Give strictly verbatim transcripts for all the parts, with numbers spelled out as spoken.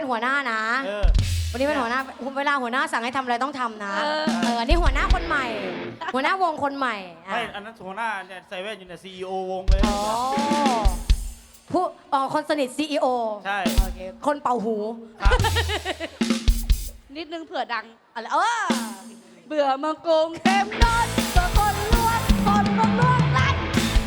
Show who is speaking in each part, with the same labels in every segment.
Speaker 1: เป็นหัวหน้านะวันนี้เป็นหัวหน้าเวลาหัวหน้าสั่งให้ทำอะไรต้องทำนะเออนี่หัวหน้าคนใหม่ หัวหน้าวงคนใหม่
Speaker 2: ไม่อันนั้นหัวหน้าเนี่ยใส่แว่นอยู่เนี่ยซีอีโอวงเลย
Speaker 1: อ๋อผู้อ๋อคนสนิทซีอีโอ
Speaker 2: ใช่
Speaker 1: โอเคคนเป่าหู
Speaker 3: นิดนึงเผื่อดัง
Speaker 1: อะไรเออ
Speaker 3: เบื่อมังกรเต็มนอนเบื่อคนลวงคนลวงลวงรัด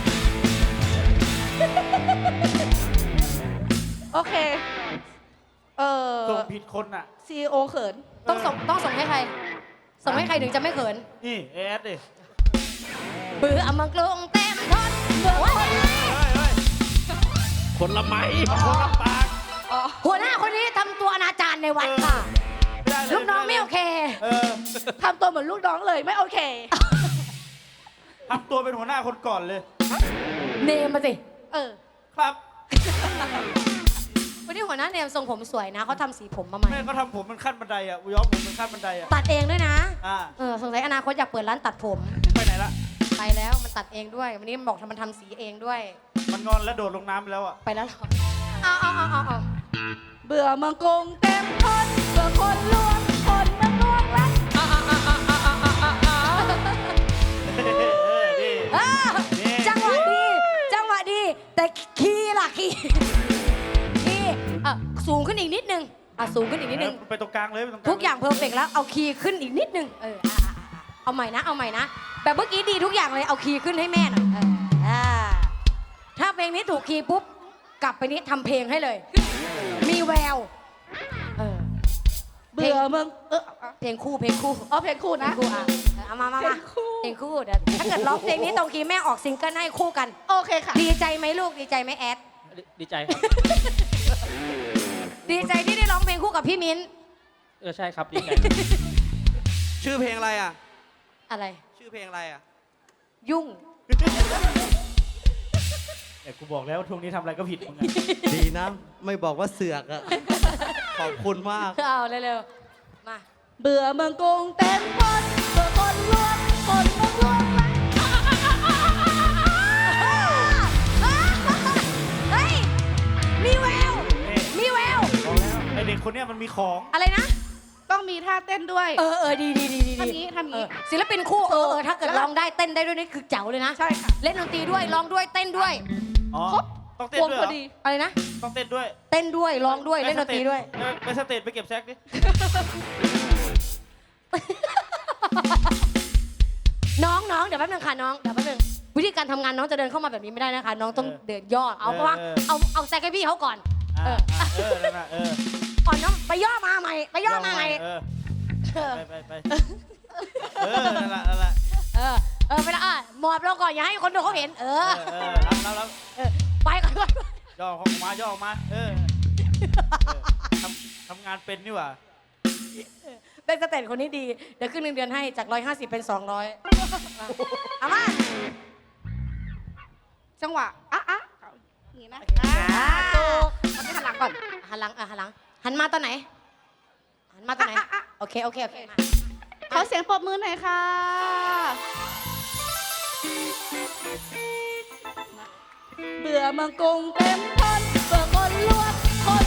Speaker 3: โอเคเออ
Speaker 2: ส่งผิดคนอ่ะ
Speaker 3: ซีโอเขิน
Speaker 1: ต้องส่งต้องส่งให้ใครส่งให้ใครถึงจะไม่เขิน
Speaker 2: นี่เอสดิ
Speaker 1: เบื่อมังกรเต็มทนเบื่อว่า
Speaker 4: คนละไม้
Speaker 2: คนละปาก
Speaker 1: หัวหน้าคนนี้ทำตัวอนาจารในวัดค่ะลูกน้องไม่โอเค
Speaker 3: ทำตัวเหมือนลูกน้องเลยไม่โอเค
Speaker 2: ทำตัวเป็นหัวหน้าคนก่อนเลย
Speaker 1: เนมมาสิ
Speaker 3: เออ
Speaker 2: ครับ
Speaker 1: วันนี้หัวหน้าเนมทรงผมสวยนะเขาทำสีผมมาใหม่
Speaker 2: แม่เขาทำผมเป็นขั้นบันไดอ่ะย้อมผมเป็นขั้นบันไดอ่ะ
Speaker 1: ตัดเองด้วยนะ
Speaker 2: อ่า
Speaker 1: เออสงสัยอนาคตอยากเปิดร้านตัดผม
Speaker 2: ไปไหนละ
Speaker 1: ไปแล้วมันตัดเองด้วยวันนี้มันบอกทำมันทำสีเองด้วย
Speaker 2: มันงอนแล้วโดดลงน้ำไปแล้วอ่ะ
Speaker 1: ไปแล้วเอาเอาเอาเอาเอา
Speaker 3: เบื่อมังกรเต็มทนเบื่อคนลวงคนมังลวงรัก
Speaker 1: จังหวะดีจังหวะดีแต่คีย์ล่ะคีย์คีย์อ่ะสูงขึ้นอีกนิดนึงอ่ะสูงขึ้นอีกนิดนึง
Speaker 2: ไปตรงกลางเลย
Speaker 1: ทุกอย่างเพอร์เฟกต์แล้วเอาคีย์ขึ้นอีกนิดนึงเออเอาใหม่นะเอาใหม่นะแบบเมื่อกี้ดีทุกอย่างเลยเอาคีย์ขึ้นให้แม่หน่อยถ้าเพลงนี้ถูกคีย์ปุ๊บกลับไปนี้ทำเพลงให้เลยมีแววเออ
Speaker 3: เบื่อมึงเออ
Speaker 1: เพลงคู่เพลงคู่
Speaker 3: อ๋อเพลงคู่นะ
Speaker 1: คู่อ่ะเอามามามาเพลงคู่เดี๋ยวถ้าเกิดร้องเพลงนี้ตรงคีย์แม่ออกซิงเกิลให้คู่กัน
Speaker 3: โอเคค่ะ
Speaker 1: ดีใจไหมลูกดีใจไหมแอด
Speaker 4: ดีใจครับ
Speaker 1: ดีใจที่ได้ร้องเพลงคู่กับพี่มิ้น
Speaker 4: เออใช่ครับดีใจ
Speaker 5: ชื่อเพลงอะไรอ่ะ
Speaker 1: อะไร
Speaker 5: ชื่อเพลงอะไรอ่ะ
Speaker 1: ยุ่ง
Speaker 2: แต่กูบอกแล้วช่วงนี้ทำอะไรก็ผิดมึง
Speaker 5: ดีนะไม่บอกว่าเสือกอ่ะขอบคุณมาก
Speaker 1: เอาเร็วๆมา
Speaker 3: เบื่อเมืองกรุงเต็มคนเบื่อคนลวงคนเมืองลวง
Speaker 1: เฮ้ยมีแววมีแวว
Speaker 2: บอกแล้วไอเด็กคนนี้มันมีของ
Speaker 1: อะไรนะ
Speaker 3: ต้องมีท่าเต้นด้วย
Speaker 1: เออเออดีดีดีดี
Speaker 3: ทำนี้ทำนี้
Speaker 1: ศิลปินคู่เออเออถ้าเกิดร้องได้เต้นได้ด้วยนี่คือเจ๋วเลยนะ
Speaker 3: ใช่ค่ะ
Speaker 1: เล่นดนตรีด้วยร้องด้วยเต้นด้วย
Speaker 2: ครบต้องเต้นด้วย
Speaker 1: อะไรนะ
Speaker 2: ต้องเต้นด้วย
Speaker 1: เต้นด้วยร้องด้วยเล่นดนตรีด้วย
Speaker 2: ไปสเตจไปเก็บแซกดิ
Speaker 1: น้องน้องเดี๋ยวแป๊บนึงค่ะน้องเดี๋ยวแป๊บนึงวิธีการทำงานน้องจะเดินเข้ามาแบบนี้ไม่ได้นะคะน้องต้องเดินย่อเอาเพราะว่าเอาเอาแซกให้พี่เขาก่อน
Speaker 2: เออเออนั่นแหละเออ
Speaker 1: ก่อนน้องไปย่อมาใหม่ไปย่อมาใหม่
Speaker 2: เออไปไปไปเออนั่นแหละนั่นแหละ
Speaker 1: เออเออไปละอ่ะหมอบลงก่อนอย่าให้คนดูเขาเห็นเออ
Speaker 2: เออรับรับ
Speaker 1: ไปก่อน
Speaker 2: ย่อออกมาย่อออกมาเออทำทำงานเป็นนี่หว่า
Speaker 1: เป็นสเตจคนนี้ดีเดี๋ยวขึ้นเงินเดือนให้จากร้อยห้าสิบเป็นสองร้อยเอามา
Speaker 3: จังหวะอ่ะอ่ะอย่างนี้นะถูกมันไม่หันหลังก่อน
Speaker 1: หันหลังอ่ะหันหลังหันมาตอนไหนหันมาตอนไหนโอเคโอเคโอเค
Speaker 3: ขอเสียงปรบมือหน่อยค่ะเบื่อเมืองกรุงเต็มทนเบื่อคนลวงคน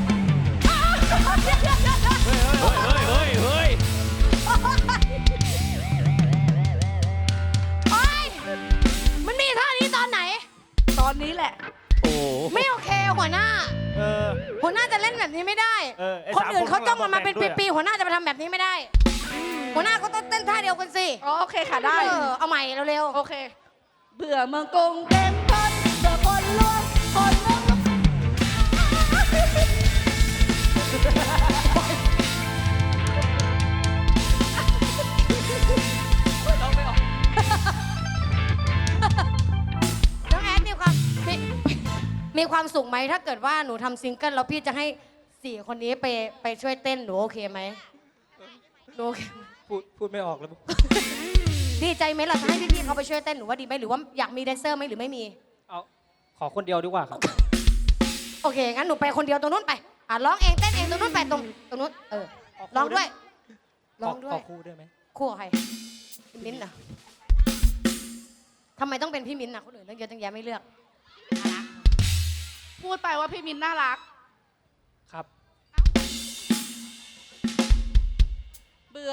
Speaker 4: เฮ้ยเฮ้ยเฮ้ยเฮ้ย
Speaker 1: โอ๊ยมันมีท่านี้ตอนไหน
Speaker 3: ตอนนี้แหละ
Speaker 4: โอ้
Speaker 1: ไม่โอเคหัวหน้าหัวหน้าจะเล่นแบบนี้ไม่ได้คนอื่นเขาจ้องมันมาเป็นปีๆหัวหน้าจะมาทำแบบนี้ไม่ได้หัวหน้าก็ต้องเต้นท่าเดียวกันสิ
Speaker 3: โอเคค่ะได้
Speaker 1: เอาใหม่เร็ว
Speaker 3: ๆโอเคเบื่อเมืองกรุงเต็มทนเบื่อคนลวงคนลวง
Speaker 1: น้องแอดมีความมีความสุขไหมถ้าเกิดว่าหนูทำซิงเกิลแล้วพี่จะให้สี่คนนี้ไปไปช่วยเต้นหนูโอเคไหมหนูโอเค
Speaker 4: พูดพูดไม่ออกแล้ว
Speaker 1: ดีใจไหมล่ะจะให้พี่ๆเขาไปช่วยเต้นหนูว่าดีไหมหรือว่าอยากมีแดนเซอร์ไหมหรือไม่มี
Speaker 4: เอาขอคนเดียวดีกว่าครับ
Speaker 1: โอเคงั้นหนูไปคนเดียวตรงนู้นไปอ่ะร้องเองเต้นเองตรงนู้นไปตรงตรงนู้นเออร้องด้วยร้องด้วย
Speaker 4: คู่ด้วยไหม
Speaker 1: คู่ใครมิ้นท์อ่ะทำไมต้องเป็นพี่มิ้นท์อ่ะคนอื่นเรื่องเยอะตั้งแยะไม่เลือก
Speaker 3: พูดไปว่าพี่มิ้นท์น่ารัก
Speaker 4: ครับ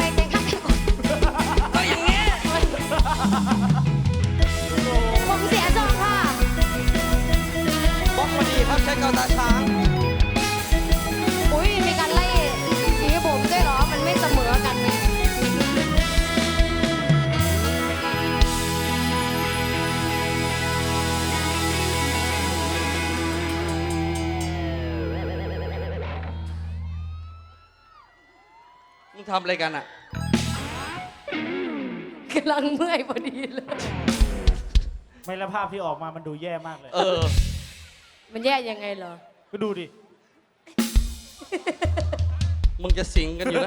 Speaker 1: ไอ้แจงข้างกันก็อย่างงี้ผมเสียทรงค่ะ
Speaker 5: บล็อกพอดีครับใช้เกาตาช้าง
Speaker 1: อุ้ยมีการไล่สีผมด้วยเหรอ มันไม่เสมอกันไง
Speaker 5: มึงทำอะไรกันอ่ะ
Speaker 1: กำลังเมื่อยพอดีเลย
Speaker 2: ไม่แล้วภาพที่ออกมามันดูแย่มากเลย
Speaker 5: เออ
Speaker 1: มันแย่ยังไงเหรอ
Speaker 2: ก็ดูดิ
Speaker 5: มึงจะสิงกันอยู่นะ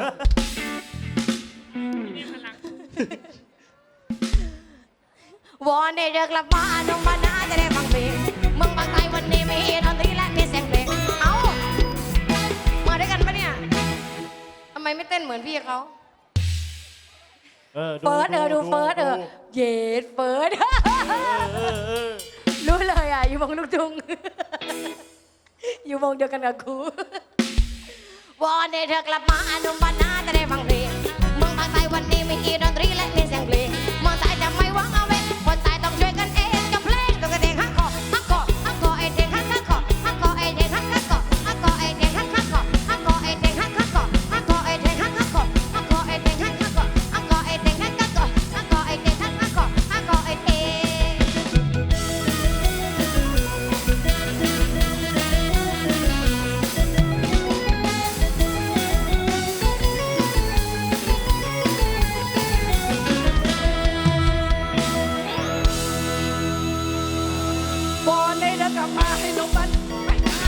Speaker 1: วอนได้เลิกกลับมาอนุมานาจะได้ฟังเพลงเมืองบางไทยวันนี้มีดนตรีและมีเสียงเพลงเอ้ามาด้วยกันปะเนี่ยทำไมไม่เต้นเหมือนพี่เขา
Speaker 2: เออดู
Speaker 1: เฟิร์สเออดูเฟิร์สเออเย็ดเฟิร์ส
Speaker 2: เออเออเออ
Speaker 1: รู้เลยอ่ะอยู่วงลูกทุ่ง อยู่วงเดียวกันกับครูวอนให้เธอกลับมาอนุมานาจะได้ฟังเพลงเมืองบางไทยวันนี้มีดนตรีและมีเสียงเพลงเมืองไทยจะไม่หวังเอาไว้คนไทยต้องช่วยกันเองกับเพลงตัวกระเด้งฮักคอฮักคอฮักคอไอเด้งฮักฮักคอฮักคอไอเด้งฮักฮักคอฮักคอไอเด้งฮักฮักคอฮักคอไอเด้งฮักฮักคอฮักคอไอเด้งฮักฮักคอฮักคอไอเด้งฮักฮักคอฮักคอไอเด้งฮักฮักคอฮักคอไอเด้งฮักฮักคอฮักคอไอเด้ง
Speaker 3: บอลได้เดินกลับมาให้นกมันไม่ได้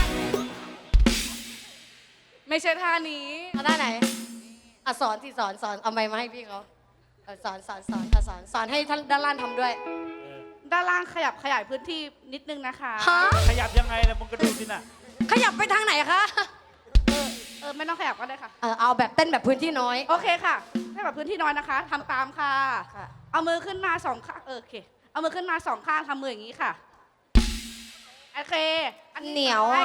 Speaker 3: ไม่ใช่ท่านี้
Speaker 1: เอาด้านไหนอ่ะสอนที่สอนสอนเอาไม้มาให้พี่เขาเออสอนสอนสอนอ่ะสอนสอนให้ท่านด้านล่างทำด้วย
Speaker 3: ด้านล่างขยับขยายพื้นที่นิดนึงนะคะ
Speaker 1: ฮะ
Speaker 2: ขยับยังไงล่ะมึงก็ดูสิน่ะ
Speaker 1: ขยับไปทางไหนคะ
Speaker 3: เออเออไม่ต้องขยับก็ได้ค่ะ
Speaker 1: เออเอาแบบเต้นแบบพื้นที่น้อย
Speaker 3: โอเคค่ะให้แบบพื้นที่น้อยนะคะทำตามค่ะ
Speaker 1: ค่ะ
Speaker 3: เอามือขึ้นมาสองข้างเออโอเค เอามือขึ้นมาสองข้างทำมืออย่างนี้ค่ะโอเคอั
Speaker 1: เหนียวอ่ะ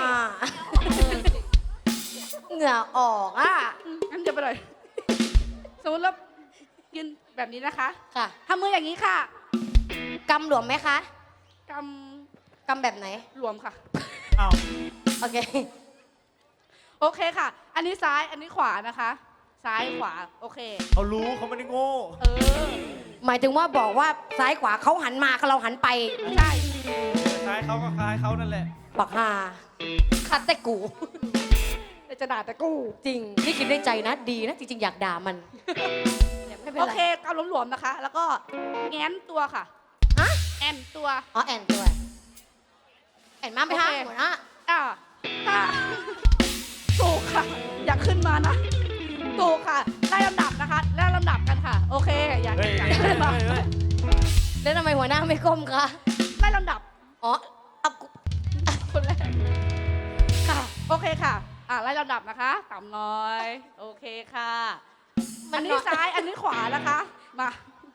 Speaker 1: เหงื่อออกอ่ะ
Speaker 3: งั้นเดี๋ยวไปเลยสมมติเรายืนแบบนี้นะคะ
Speaker 1: ค่ะ
Speaker 3: ทำมืออย่างนี้ค่ะ
Speaker 1: กำหลวมไหมคะ
Speaker 3: ก
Speaker 1: กำแบบไหน
Speaker 3: ำรวมค่ะ
Speaker 2: อ้าว
Speaker 1: โอเค
Speaker 3: โอเคค่ะ อันนี้ซ้ายอันนี้ขวานะคะ ซ้ายขวาโอเค
Speaker 2: เขารู้เขาไม่ได้โง่
Speaker 3: เออ
Speaker 1: หมายถึงว่าบอกว่าซ้ายขวาเขาหันมาเราหันไป
Speaker 3: ใช่
Speaker 2: คล้ายเขาก็คล้ายเขานั่นแหละ
Speaker 1: บักฮาคัดแต่กู
Speaker 3: เดี๋ยวจะด่าแต่กู
Speaker 1: จริง นี่คิดในใจนะ ดีนะ จริงๆ อยากด่ามันเนี่ยไม่เป็น
Speaker 3: โอ
Speaker 1: ไร
Speaker 3: เคกำหลวมๆนะคะ แล้วก็แง้นตัวค่ะ
Speaker 1: ฮะ
Speaker 3: แอนตัว
Speaker 1: อ๋อแอนด้วยแอนมาไหมคะ
Speaker 3: โอเค
Speaker 1: หัวหน้า
Speaker 3: อ่าถ้าถูกค่ะ อยากขึ้นมานะถูกค่ะไล่ลำดับนะคะไล่ลำดับกันค่ะ โอเค อยาก
Speaker 2: เฮ้ย
Speaker 3: อยาก
Speaker 2: เฮ้ย
Speaker 3: ขึ้นมา
Speaker 2: เฮ้ยเฮ้ย
Speaker 1: แล้วทำไมหัวหน้าไม่ก้มคะ
Speaker 3: ไล่ลำดับ
Speaker 1: อ๋อเอากู
Speaker 3: คนแรก
Speaker 1: ค่ะ
Speaker 3: โอเคค่ะ อ่าไล่ลำดับนะคะต่ำน้อย โอเคค่ะ
Speaker 1: มั
Speaker 3: อั
Speaker 1: น
Speaker 3: น
Speaker 1: น้
Speaker 3: นี้
Speaker 1: อย
Speaker 3: ซ้าย อันนี้ขวานะคะ มา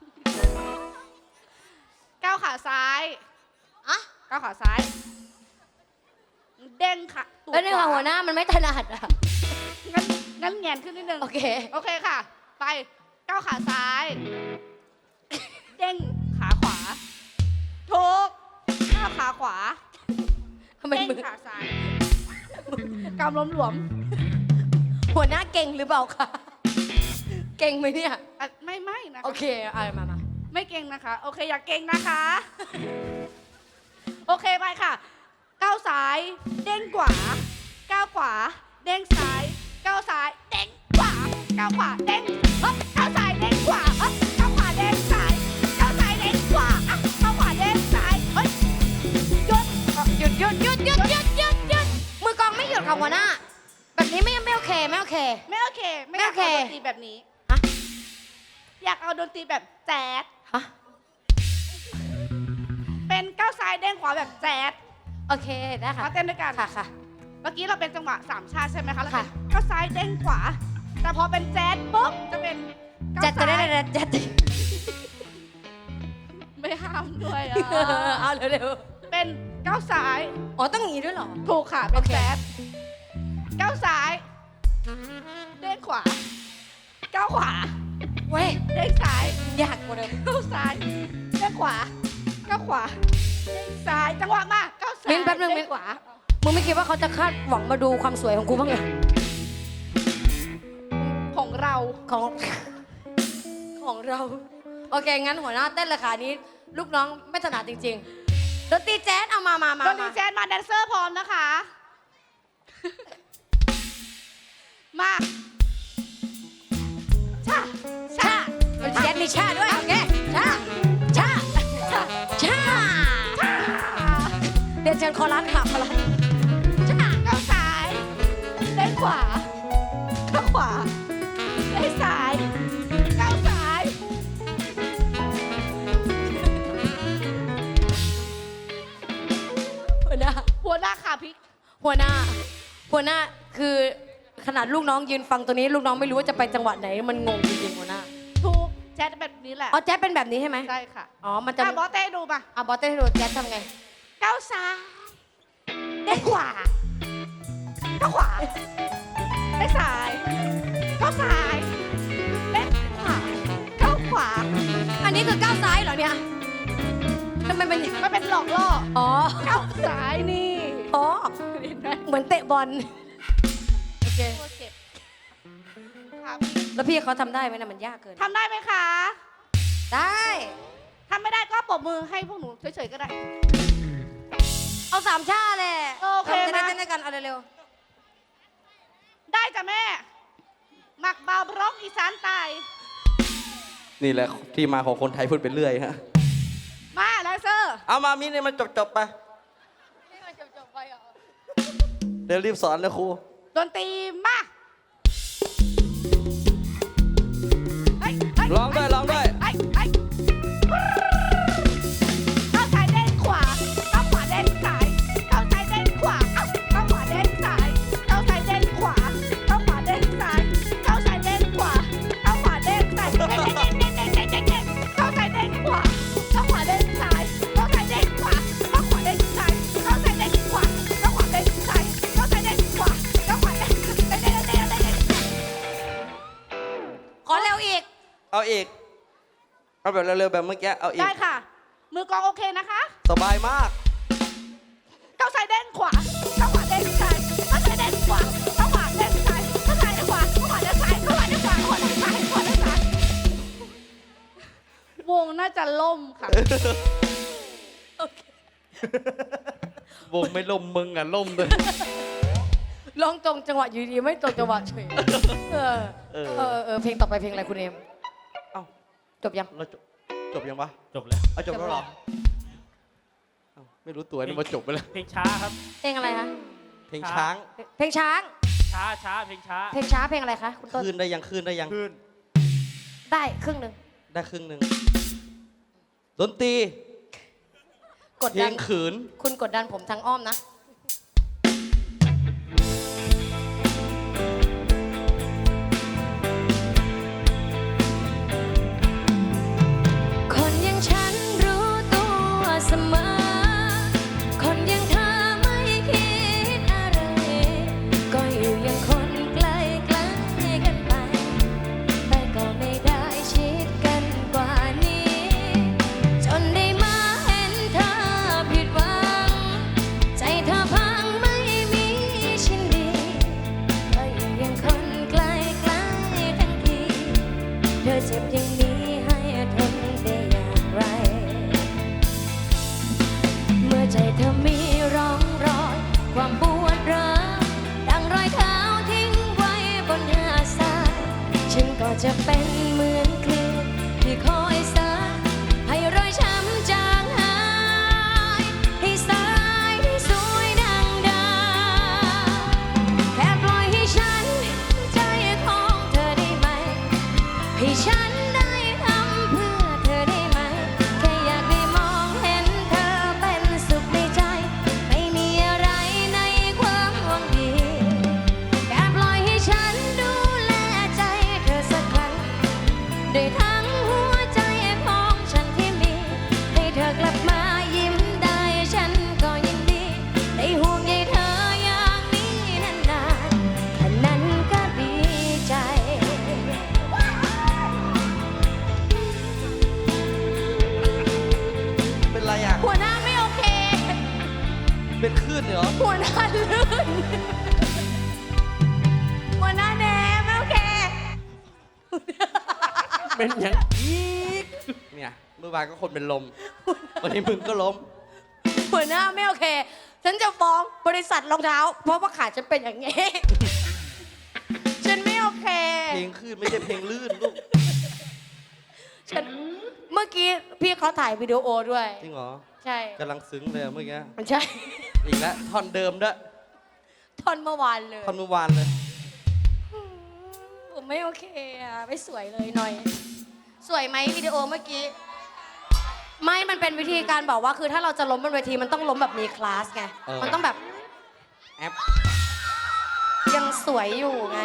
Speaker 3: ก้าวขาซ้าย
Speaker 1: อ่ะ
Speaker 3: ก้าวขาซ้าย เด้งค่ะตูด
Speaker 1: แล้วนี่
Speaker 3: ข
Speaker 1: ค่ะ
Speaker 3: วา
Speaker 1: หัวหน้ามันไม่ถนัดอ่ะ
Speaker 3: งั้นงั้นแงนขึ้นนิดนึง
Speaker 1: โอเค
Speaker 3: โอเคค่ะ ไปก้าวขาซ้าย เด้งขาขวาถูกก้าวขาขวา
Speaker 1: ทำไม
Speaker 3: เด้ง
Speaker 1: มือ
Speaker 3: ขาซ้ายกำล้มหลวม
Speaker 1: หัวหน้าเก่งหรือเปล่าคะ เก่งไหมเนี่ย
Speaker 3: อ่ะไม่ไม่นะคะ
Speaker 1: โอเคเอามามา
Speaker 3: ไม่เก่งนะคะ โอเค อย่าเก่งนะคะ โอเคไปค่ะ ก้าวซ้าย เด้งขวา ก้าวขวา เด้งซ้าย ก้าวซ้าย เด้งขวา ก้าวขวา เด้งเฮ้ยก้าวซ้าย เด้งขวาเฮ้ยก้าวขวา เด้งซ้าย ก้าวซ้าย เด้งขวาอ่ะก้าวขวา เด้งซ้าย เฮ้ยหยุด
Speaker 1: หยุดหยุดหยุดหยุดหยุดหยุดหยุดมือกลองไม่หยุดค่ะหัวหน้า แบบนี้ไม่ไม่โอเคไม่โอเค
Speaker 3: ไม่โอเค ไม่อยาก
Speaker 1: ไม่
Speaker 3: เอา
Speaker 1: โอ
Speaker 3: ด
Speaker 1: เค
Speaker 3: นตรีแบบนี้
Speaker 1: ฮะ
Speaker 3: อยากเอาดนตรีแบบแจ๊ด
Speaker 1: ฮะ
Speaker 3: เป็นก้าวซ้าย เด้งขวาแบบแจ๊ด
Speaker 1: โอเคได้ค่ะ
Speaker 3: มาเต้นด้วยกัน
Speaker 1: ค่ะค่ะ
Speaker 3: เมื่อกี้เราเป็นจังหวะสามชาติใช่ไหมคะแล้ว
Speaker 1: ค่ะ
Speaker 3: เป็นก้าวซ้ายเด้งขวา แต่พอเป็นแจ๊ดปุ๊บจะเป็นก้าว
Speaker 1: จัดจะ
Speaker 3: ซ้า
Speaker 1: ได้
Speaker 3: ย
Speaker 1: ได้จัด
Speaker 3: ไม่ห้ามด้วยอ่ะ
Speaker 1: เอาเร็ว
Speaker 3: เป็นก้าวซ้าย
Speaker 1: ๆอ๋อต้องอย่างนี้ด้วยเหรอ
Speaker 3: ถูกค่ะเป็น
Speaker 1: โอเค
Speaker 3: แจ๊ดก้าวซ้ายเด้งขวาก้าวขวา
Speaker 1: เว้ย
Speaker 3: เด้งซ้าย
Speaker 1: ยากกว่าเดิม
Speaker 3: ก้าวซ้ายเด้งขวาก้าวขวาเด้งซ้ายจังหวะมาก้าวซ้าย
Speaker 1: มิ้นแป๊บนึง
Speaker 3: เด้
Speaker 1: มิ้น
Speaker 3: ขวา
Speaker 1: มึงไม่คิดว่าเขาจะคาดหวังมาดูความสวยของกูบ้างเหรอ
Speaker 3: ของเรา
Speaker 1: ของ ของเรา โอเค งั้นหัวหน้าเต้นราคานี้ ลูกน้องไม่ถนัดจริงๆดนตรีแจ๊สเอามามามา
Speaker 3: ดนตรี
Speaker 1: มา
Speaker 3: แจ๊ดมาแดนเซอร์พร้อมนะคะ มา
Speaker 1: แจ๊ดมีชาด้วยโอเคชาชาชาชาเรียนเชิญคอรัสค่ะคอรัสชา
Speaker 3: ก้าวซ้ายเล่นขวาก้าวขวาเล่นซ้ายก้าวซ้าย
Speaker 1: หัวหน้า
Speaker 3: หัวหน้าขาพลิก
Speaker 1: หัวหน้า หัวหน้าคือขนาดลูกน้องยืนฟังตัวนี้ ลูกน้องไม่รู้ว่าจะไปจังหวะไหนมันงงจริงๆหัวหน้า
Speaker 3: ถูกแจ๊ดแบบนี้แหละ
Speaker 1: อ๋อแจ๊ดเป็นแบบนี้ใช่ไหม
Speaker 3: ใช่ค่ะ
Speaker 1: อ๋อมันจะ
Speaker 3: อ่ะบอสเต้ดูมา
Speaker 1: อ่ะบอสเต้ให้ดูแจ๊ดทำไง
Speaker 3: ก้าวซ้ายเล่นขวาก้าวขวาเล่นซ้ายก้าวซ้ายเล่นขวาก้าวขวา
Speaker 1: อันนี้คือก้าวซ้ายเหรอเนี่ยทำไมเป็น
Speaker 3: มันเป็นหลอกล่อ
Speaker 1: อ๋อ
Speaker 3: ก้าวซ้ายนี่
Speaker 1: อ๋อ
Speaker 3: เห็นไหม
Speaker 1: เหมือนเตะบอลโอเค
Speaker 3: ตัวเจ็บครับ
Speaker 1: แล้วพี่เขาทำได้ไหมนะมันยากเกิน
Speaker 3: ทำได้ไหมคะ
Speaker 1: ได้
Speaker 3: ทำไม่ได้ก็ปรบมือให้พวกหนูเฉยๆก็ได้
Speaker 1: เอาสามชาเลย
Speaker 3: โอเค
Speaker 1: จะได้
Speaker 3: มา
Speaker 1: เต้นด้วยกันเอาเร็ว
Speaker 3: ได้จ้ะแม่ หมักเบาบร็อกอีสานใตาย
Speaker 5: นี่แหละที่มาของคนไทยพูดไปเรื่อยฮะ
Speaker 3: มาแลเซอร์
Speaker 5: เอามามิเนี่ยมันจบจบๆไป เดี๋ยวรีบสอนนะครู
Speaker 3: ดนตรีมาเฮ้ยเฮ้
Speaker 5: ร้องด้วยร้องด้วย
Speaker 3: เฮ้ยเฮ้ยก้าวซ้ายเด้นขวาก้าวขวาเด้นซ้ายก้าวซ้ายเด้นขวาเอ้าก้าวขวาเด้นซ้ายก้าวซ้ายเด้นขวาก้าวขวาเด้นซ้ายก้าวซ้ายเด้นขวาก้าวขวาเด้นซ้ายเด้นเด้นเด้นเด้นเด้นเด้นเด้นเด้นก้าวซ้ายเด้นขวาก้าวขวาเด้นซ้ายก้าวซ้ายเด้นขวาก้าวขวาเด้นซ้ายก้าวซ้ายเด้นขวาก้าวขวาเด้นซ้ายก้าวซ้ายเด้นขวาก้าวขวาเด้นเด้นเด้นเด้นเด้นเด้น
Speaker 1: ๆขอเร็วอีก
Speaker 5: เอาอีก เอาแบบเร็วๆแบบเมื่อกี้ เอาอีก
Speaker 3: ได้ค่ะ มือกลองโอเคนะคะ
Speaker 5: สบายมาก
Speaker 3: ก้าวซ้ายเด้นขวาก้าวขวาเด้นซ้ายก้าวซ้ายเด้นขวาก้าวขวาเด้นซ้ายก้าวซ้ายเด้นขวาก้าวขวาเด้นซ้ายก้าวขวาเด้นขวาก้าวขวาเด้นซ้ายก้าวขวาเด้นซ้ายวงน่าจะล่มค่ะ
Speaker 5: วงไม่ล่มมึงอ่ะล่มเลย
Speaker 1: ร้องตรงจังหวะอยู่ดีไม่ตรงจังหวะเฉยเออ
Speaker 5: เออ
Speaker 1: เออเออเพลงต่อไปเพลงอะไรคุณเอม
Speaker 5: เอ้า
Speaker 1: จบยัง
Speaker 5: เราจบจบยังวะ
Speaker 2: จบแล้ว
Speaker 5: เอาจบแล้วเหรอเอ้าไม่รู้ตัวนี่มาจบไปแล้ว
Speaker 2: เพลงช้าครับ
Speaker 1: เพลงอะไรคะ
Speaker 5: เพลงช้าง
Speaker 1: เพลงช้าง
Speaker 2: ช้าช้าเพลงช้า
Speaker 1: เพลงช้าเพลงอะไรคะคุณต้น
Speaker 5: คืนได้ยังคืนได้ยัง
Speaker 2: ขึ้น
Speaker 1: ได้ครึ่งหนึ่ง
Speaker 5: ได้ครึ่งหนึ่งดนตรี
Speaker 1: กด
Speaker 5: เพล
Speaker 1: ดัน
Speaker 5: งขืน
Speaker 1: คุณกดดันผมทางอ้อมนะ คนอย่างฉันรู้ตัวเสมอ คนอย่างเธอไม่คิดอะไร ก็อยู่อย่างคนใกล้ใกล้กันไป แต่ก็ไม่ได้ชิดกันกว่านี้ จนได้มาเห็นเธอผิดหวัง ใจเธอพังไม่มีชิ้นดี ก็อยู่อย่างคนใกล้ใกล้ทั้งที เธอเจ็บอย่างนี้ให้ทนได้อย่างไร เมื่อใจเธอมีร่องรอย ความปวดร้าวดังรอยเท้าทิ้งไว้บนหาดทรายฉันก็จะเป็นเหมือนคลื่นที่คอยซัดให้รอยช้ำจางหาย ให้สายที่สวยดังดาวแค่ปล่อยให้ฉันใจของเธอได้ไหม ให้ฉันได้ทำเพื่อเธอได้ไหม แค่อยากได้มองเห็นเธอเป็นสุขในใจ ไม่มีอะไรในความหวังดี แค่ปล่อยให้ฉันดูแลใจเธอสักครั้งด้วยทั้งหัวใจของฉันที่มี ให้เธอกลับมายิ้มได้ฉันก็ยินดี ได้ห่วงใยเธออย่างนี้นานๆแค่นั้นก็ดีใจ
Speaker 5: เป็นไรอ่ะ
Speaker 1: หัวหน้าไม่โอเค
Speaker 5: เป็นคลื่นเหรอ
Speaker 1: หัวหน้าลื่น หัวหน้าแนมไม่โอเค
Speaker 2: เป็นอย่างอีก
Speaker 5: เนี่ยเมื่อวานก็คนเป็นลม วันนี้มึงก็ล้ม
Speaker 1: หัวหน้าไม่โอเค ฉันจะฟ้องบริษัทรองเท้า เพราะว่าขาฉันเป็นอย่างนี้ ฉันไม่โอเค
Speaker 5: เพลงคลื่นไม่ใช่เพลงลื่นลูก
Speaker 1: ฉันเมื่อกี้พี่เขาถ่ายวิดีโอด้วย
Speaker 5: จริงเหรอ
Speaker 1: ใช่
Speaker 5: กำลังซึ้งเลยอะเมื่อกี้
Speaker 1: ใช่
Speaker 5: อีกแล้วท่อนเดิมด้วย
Speaker 1: ท่อนเมื่อวานเลย
Speaker 5: ท่อนเมื่อวานเลย
Speaker 1: ผมไม่โอเคอ่ะ ไม่สวยเลยหน่อย สวยไหมวิดีโอเมื่อกี้ ไม่ มันเป็นวิธีการบอกว่าคือถ้าเราจะล้มบนเวทีมันต้องล้มแบบมีคลาสไง
Speaker 5: เออ
Speaker 1: มันต้องแบบ
Speaker 5: แอป
Speaker 1: ยังสวยอยู่ไง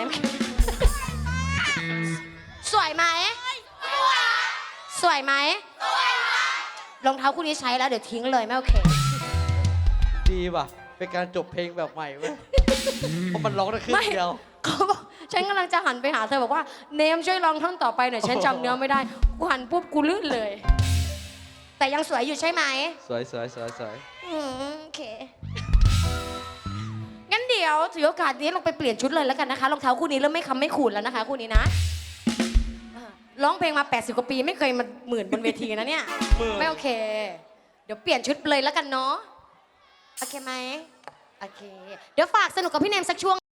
Speaker 1: สวยไหม สวยไหมรองเท้าคู่นี้ใช้แล้วเดี๋ยวทิ้งเลยไม่โอเค
Speaker 5: ดีว่ะ เป็นการจบเพลงแบบใหม่เว้ย เพราะมันร้องได้ครึ่งเดียว
Speaker 1: เขาบอกฉันกำลังจะหันไปหาเธอบอกว่าเนมช่วยลองท่อนต่อไปหน่อยฉันจำเนื้อไม่ได้ กูหันปุ๊บกูลื่นเลย แต่ยังสวยอยู่ใช่ไหม
Speaker 5: สวยสวยสวยสวย
Speaker 1: อืมโอเค งั้นเดี๋ยวถือโอกาสนี้ลงไปเปลี่ยนชุดเลยแล้วกันนะคะรองเท้าคู่นี้เริ่มไม่คำไม่ขูดแล้วนะคะคู่นี้นะอ่าร้องเพลงมาแปดสิบกว่าปีไม่เคยมาหมื่นบนเวทีนะเนี่ย ไม่โอเค เดี๋ยวเปลี่ยนชุดเลยแล้วกันเนาะ โอเคไหมโอเค เดี๋ยวฝากสนุกกับพี่เนมสักช่วง